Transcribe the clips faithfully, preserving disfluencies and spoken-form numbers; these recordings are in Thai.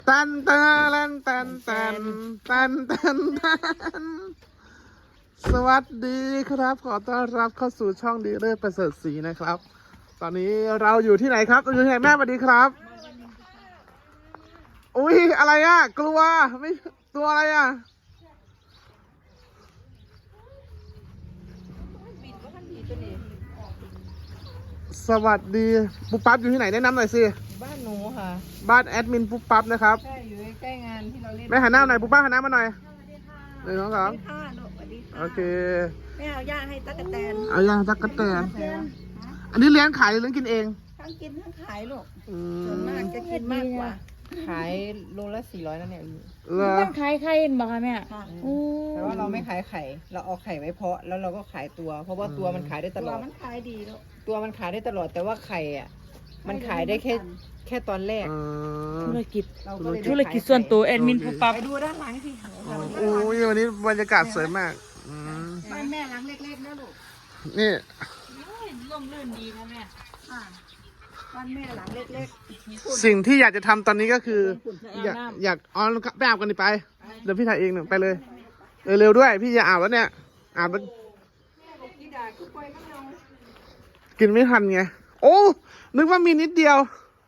ตันตันตันตันตันตันตันสวัสดีครับขอต้อนรับเข้าสู่ช่องดีเลิศประเสริฐศรีนะครับตอนนี้เราอยู่ที่ไหนครับอยู่ที่ไหนแม่สวัสดีครับอุ้ยอะไรอ่ะกลัวไม่ตัวอะไรอ่ะสวัสดีปุ๊บปั๊บอยู่ที่ไหนแนะนำหน่อยสิบ้านหนูค่ะบ้านแอดมินปุ๊บปั๊บนะครับใช่อยู่ใกล้งานที่เราเล่นแม่หันหน้าหน่อยปุ๊บปั๊บหันหน้ามาหน่อยหนึ่งสองสามโอเคไม่เอาย่าให้ตั๊กแตนเอาย่างตั๊กแตนอันนี้เลี้ยงขายหรือเลี้ยงกินเองทั้งกินทั้งขายลูกส่วนมากจะกินมากกว่าขายโลละสี่ร้อยนั่นเนี่ยมันขายไข่เห็นบอกค่ะแม่แต่ว่าเราไม่ขายไข่เราเอาไข่ไว้เพาะแล้วเราก็ขายตัวเพราะว่าตัวมันขายได้ตลอดมันขายดีลูกตัวมันขายได้ตลอดแต่ว่าไข่อ่ะมันขายได้แค่แค่ตอนแรกธุรกิจธุรกิจส่วนตัวแอดมินปุ๊บปั๊บไปดูด้านหลังสิโอ้ยวันนี้บรรยากาศสวยมากบ้านแม่หลังเล็กๆนะลูกนี่ร่มรื่นดีนะแม่บ้านแม่หลังเล็กๆสิ่งที่อยากจะทำตอนนี้ก็คืออยากอยากอ๋อไปอาบกันดิไปเดี๋ยวพี่ถ่ายเองหนึ่งไปเลยเร็วๆด้วยพี่จะอาบแล้วเนี่ยอาบแล้วกินไม่ทันไงโอ้นึกว่ามีนิดเดียว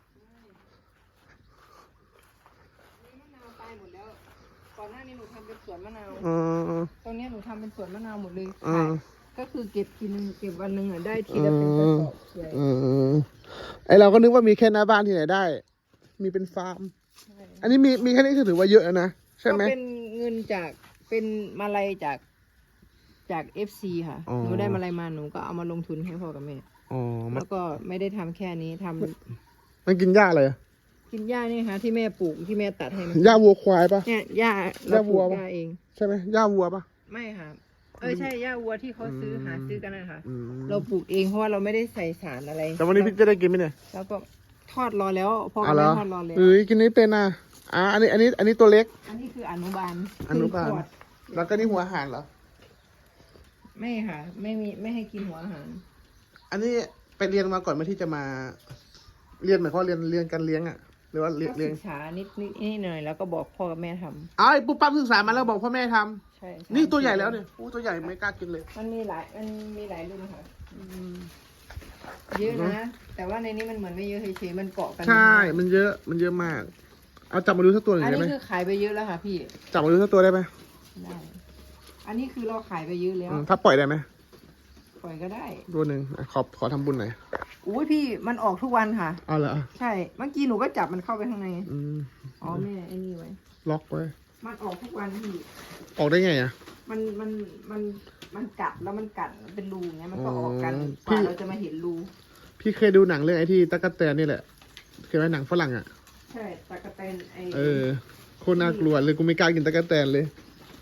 ก่อนหน้านี้หนูทำเป็นสวนมะนาวอืมตรงนี้หนูทำเป็นสวนมะนาวหมดเลยก็คือเก็บทีนึงเก็บวันหนึ่งอ่ะได้ทีละเป็นกระสอบใหญ่ไอเราก็นึกว่ามีแค่หน้าบ้านที่ไหนได้มีเป็นฟาร์มอันนี้มีมีแค่นี้คือถือว่าเยอะนะใช่ไหมก็เป็นเงินจากเป็นมาลัยจากจากเอฟซีค่ะหนูได้มาลัยมาหนูก็เอามาลงทุนให้พ่อกับแม่แล้วก็ไม่ได้ทำแค่นี้ทำมันกินหญ้าอะไรกินหญ้านี่ค่ะที่แม่ปลูกที่แม่ตัดให้มันหญ้าวัวควายปะเนี่ยหญ้าเราปลูกหญ้าเองใช่ไหมหญ้าวัวปะไม่ค่ะเออใช่หญ้าวัวที่เขาซื้อหาซื้อกันนะคะเราปลูกเองเพราะว่าเราไม่ได้ใส่สารอะไรแต่วันนี้พี่จะได้กินไหมเนี่ยแล้วก็ทอดรอแล้วพอแม่ทอดรอแล้วเอ้ยกินนี้เป็นอ่ะอ่ะอันนี้อันนี้อันนี้ตัวเล็กอันนี้คืออนุบาลอนุบาลแล้วก็นี่หัวอาหารเหรอไม่ค่ะไม่มีไม่ให้กินหัวอาหารอันนี้ไปเรียนมาก่อนมาที่จะมาเรียนหมายความเรียนเรียนการเลี้ยงอ่ะหรือว่าเรียนศึกษานิดนิดนิดหน่อยแล้วก็บอกพ่อกับแม่ทำอ๋อปุ๊บปั๊บศึกษามาแล้วบอกพ่อแม่ทำใช่นี่ตัวใหญ่แล้วเนี่ยอู้ตัวใหญ่ไม่กล้ากินเลยมันมีหลายมันมีหลายรุ่นค่ะเยอะนะแต่ว่าในนี้มันเหมือนไม่เยอะเฉยๆมันเกาะกันใช่มันเยอะมันเยอะมากเอาจับมาดูสักตัวหนึ่งได้ไหมอันนี้คือขายไปเยอะแล้วค่ะพี่จับมาดูสักตัวได้ไหมได้อันนี้คือเราขายไปเยอะแล้วถ้าปล่อยได้ไหมปล่อยก็ได้ตัวหนึ่งขอขอทำบุญหน่อยอุ้ยพี่มันออกทุกวันค่ะอ๋อเหรอใช่เมื่อกี้หนูก็จับมันเข้าไปข้างในอ๋อแม่ไอ้นี่ไว้ล็อกไว้มันออกทุกวันพี่ออกได้ไงอ่ะมันมันมันมันกัดแล้วมันกัดเป็นรูอย่างเงี้ยมันก็ออกกันกว่าเราจะมาเห็นรูพี่เคยดูหนังเรื่องไอ้ที่ตั๊กแตนนี่แหละเคยไหมหนังฝรั่งอ่ะใช่ตั๊กแตนไอเออโคตรน่ากลัวเลยกูไม่กล้ากินตั๊กแตนเลย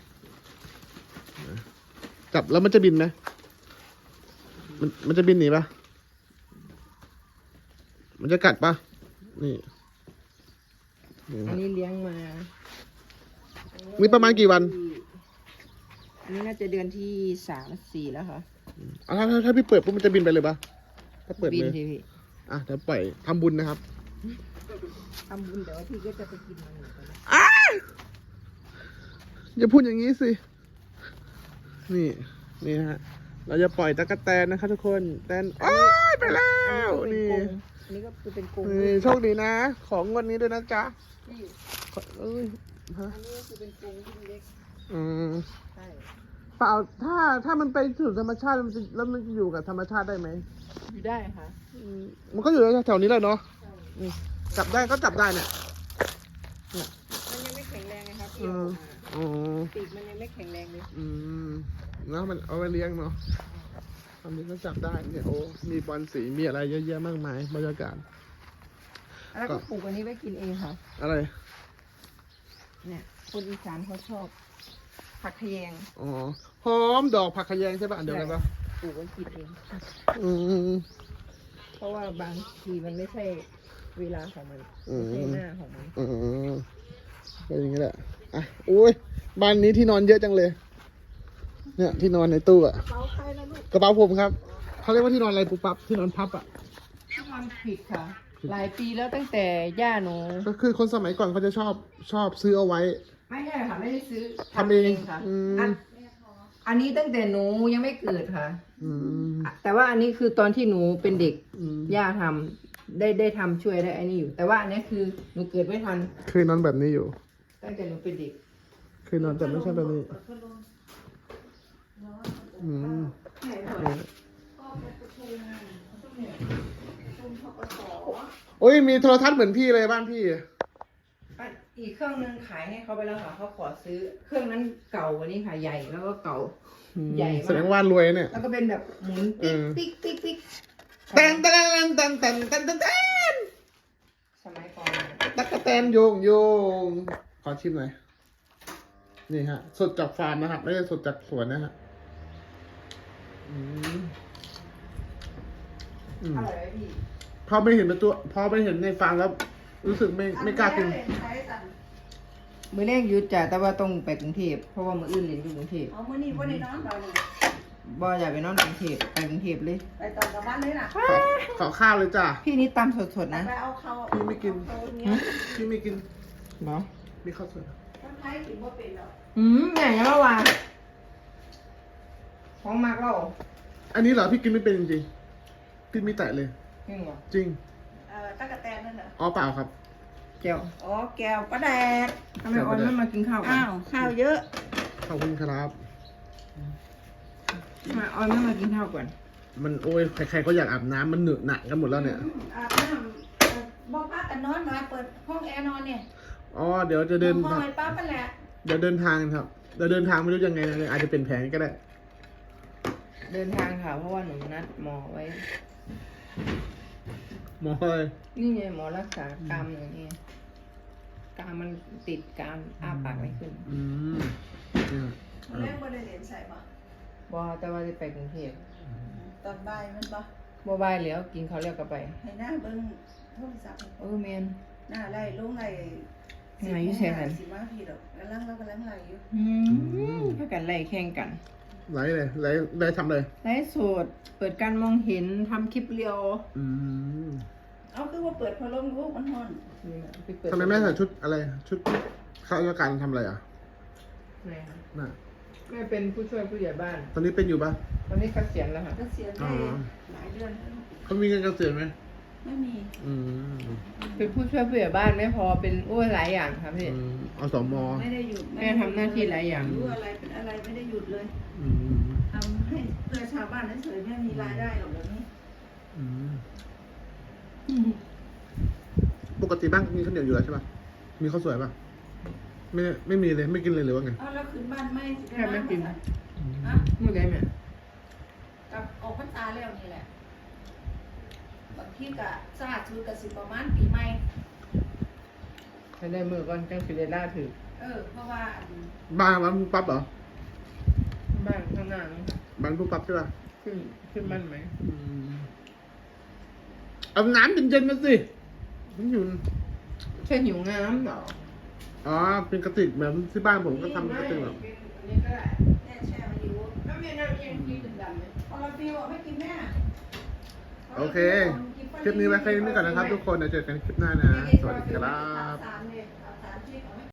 จับแล้วมันจะบินไหมมันมันจะบินหนีปะมันจะกัดปะนี่อันนี้เลี้ยงมามีประมาณกี่วันอันนี้น่าจะเดือนที่สามสี่แล้วค่ะอ่ะถ้าถ้าพี่เปิดปุ๊บมันจะบินไปเลยปะถ้าเปิดเลยบินพี่อ่ะเดี๋ยวปล่อยทำบุญนะครับทำบุญแต่ว่าพี่ก็จะไปกินมันอ่ะอย่าพูดอย่างนี้สินี่นี่ฮะเราจะปล่อยตะกั่วแตนนะครับทุกคนแตนโอ้ยไปแล้วนี่อันนี้ก็คือเป็นกรงนี่โชคดีนะของวันนี้ด้วยนะจ๊ะเอ้ยฮะอันนี้ก็คือเป็นกรงที่เล็กอืมใช่เปล่าถ้าถ้ามันไปสู่ธรรมชาติมันจะแล้วมันจะอยู่กับธรรมชาติได้ไหมอยู่ได้ค่ะมันก็อยู่แถวนี้แหละเนาะจับได้ก็จับได้เนี่ยมันยังไม่แข็งแรงไงครับพี่อ๋อปีกมันยังไม่แข็งแรงเลยอืมแล้วมันเอาไปเลี้ยงเนาะทำนี้ก็จับได้เนี่ยโอ้มีบอลสีมีอะไรเยอะแยะมากมายบรรยากาศแล้วก็ปลูกอันนี้ไว้กินเองค่ะอะไรเนี่ยคนอีสานเขาชอบผักขยงอ๋อหอมดอกผักขยงใช่ป่ะเดี๋ยวกันปะปลูกไว้กินเองอืมเพราะว่าบางทีมันไม่ใช่เวลาของมันไม่ใช่หน้าของมันอืมก็อย่างนี้แหละอ่ะโอ้ยบ้านนี้ที่นอนเยอะจังเลยเนี่ยที่นอนในตู้อะกระเป๋าใครนะลูกกระเป๋าผมครับเขาเรียกว่าที่นอนอะไรปุ๊บปั๊บที่นอนพับอะที่นอนผิดค่ะหลายปีแล้วตั้งแต่ย่าหนูก็คือคนสมัยก่อนเขาจะชอบชอบซื้อเอาไว้ไม่ใช่ค่ะไม่ได้ซื้อทำเองค่ะอืมอันอันนี้ตั้งแต่หนูยังไม่เกิดค่ะอืมแต่ว่าอันนี้คือตอนที่หนูเป็นเด็กอืมย่าทำได้ได้ทำช่วยได้อันนี้อยู่ แต่ว่าอันนี้คือหนูเกิดไม่ทันเคยนอนแบบนี้อยู่ตั้งแต่หนูเป็นเด็กเคยนอนแต่ไม่ใช่แบบนี้ อืมโอ้ยมีโทรทัศน์เหมือนพี่เลยบ้านพี่อ่ะอีกเครื่องนึงขายให้เขาไปแล้วค่ะเขาขอซื้อเครื่องนั้นเก่ากว่านี้ค่ะใหญ่แล้วก็เก่า ใหญ่มากแสดงว่ารวยเนี่ยแล้วก็เป็นแบบหมุนอืปิ๊กมปิ๊กปิ๊กปิ๊กแตนแตนแตนแตนแตนแตนแตนสมัยก่อนตั๊กแตนโยงโยงขอชิมหน่อย นี่ฮะ สดจากฟาร์มนะครับ ไม่ได้สดจากสวนนะฮะ อืมอืมอร่อยไหมพี่พอไม่เห็นเป็นตัว พอไม่เห็นในฟาร์มแล้ว รู้สึกไม่ไม่กล้ากินมือแรกหยุดจ้ะแต่ว่าต้องไปกรุงเทพเพราะว่ามืออื่นเรียนอยู่กรุงเทพเอามื้อนี้บ่ได้นอนดอกนี่บ่อยากไปนอนกรุงเทพไปกรุงเทพเลยไปตอนกลับบ้านเลยล่ะขอขอข้าวเลยจ้ะพี่นี่ตำสดๆนะไปเอาเขาพี่ไม่กินเอาเนี้ยพี่ไม่กินเนาะมีข้าวสวยคนไทยกินบ่เป็นดอกอืมแม่ยังเมื่อวานของมากเราอันนี้เหรอพี่กินไม่เป็นจริงๆพี่ไม่แตะเลยจริงเหรอจริงเอ่อตะกะแตนนั่นเหรออ๋อเปล่าครับเจียวอ๋อแก้วปลาแดกทำไมออนไม่มากินข้าวกันอ้าวข้าวเยอะขอบคุณครับทำไมออนไม่มากินข้าวก่อนมันโอ้ยใครๆก็อยากอาบน้ำมันเหนอะหนักกันหมดแล้วเนี่ยอืมอาบน้ำเอ่อบ่พักกันนอนมาเปิดห้องแอร์นอนเนี่ยอ๋อเดี๋ยวจะเดินห้องไอ้ป้าปะแหละเดี๋ยวเดินทางครับเดี๋ยวเดินทางไม่รู้ยังไงนะอาจจะเป็นแผนก็ได้เดินทางค่ะ เพราะว่าหนูนัดหมอไว้หมอเลยนี่ไงหมอรักษากรามอย่างนี้กรามมันติดกรามอ้าปากไม่ขึ้นอืมเนี่ยเล่นบ่ได้เรียนใส่บ่บอแต่ว่าจะไปกรุงเทพตอนบ่ายมันบ่บอบายแล้วกินเขาวเรียกกลับไปให้หน้าเบิ่งโทรศัพท์เออแมนหน้าไล่ลงไล่ไหนอยู่แซ่กันสิมาพี่ดอกกำลังเรากำลังไล่อยู่อืมถ้ากันไล่แข่งกันไหลเลยไหลไหลทำเลยไล่สดเปิดการมองเห็นทำคลิปเรียวอืมเอาคือว่าเปิดพัดลมลูกมันฮ้อนนี่นะไปเปิดทำไมแม่ใส่ชุดอะไร ชุดข้าราชการทำอะไรอ่ะไหนคะน่ะแม่เป็นผู้ช่วยผู้ใหญ่บ้านตอนนี้เป็นอยู่ปะตอนนี้เกษียณแล้วค่ะก็เสียอ๋ได้อหลายเดือนแล้วเขามีเงินเกษียณไหมไม่มีอืมเป็นผู้ช่วยผู้ใหญ่บ้านไม่พอเป็นอ้วนหลายอย่างครับพี่อืมอสมไม่ได้หยุดแม่ทำหน้าที่หลายอย่างรู้อะไรเป็นอะไรไม่ได้หยุดเลยอืมทำให้เพื่อชาวบ้านเฉยๆไม่มีรายได้หรอกเดี๋ยวนี้อืมปกติบ้านมีข้าวเหนียวอยู่แล้วใช่ปะมีข้าวสวยปะไม่ไม่มีเลยไม่กินเลยหรือว่าไงเอาแล้วคืนบ้านไม่แค่ไม่กินฮะเมื่อไงแม่กับออกพรรษาแล้วนี่แหละบางทีก็สาดชุดกับสิประมาณปีใหม่ให้ได้มือก่อนจังสิได้ล่าถือเออ เพราะว่าอันบ้านบ้านปุ๊บปั๊บเหรอบ้านข้างหน้านี่ค่ะบ้านปุ๊บปั๊บใช่ปะขึ้นขึ้นบ้านไหมอืมเอาน้ำเย็นๆมาสิมันอยู่ใช่หิวน้ำเหรออ๋อ เป็นกระติกแบบที่บ้านผมก็ทำกระติกแบบอันนี้ก็ได้แม่แช่มาอยู่แล้วแม่น้ำเย็นที่ดำๆไหมพอเราฟิวบอกไม่กินแม่โอเค คลิปนี้ไว้แค่นี้ก่อนนะครับทุกคน เดี๋ยวเจอกันคลิปหน้านะ สวัสดีครับสามเนี่ย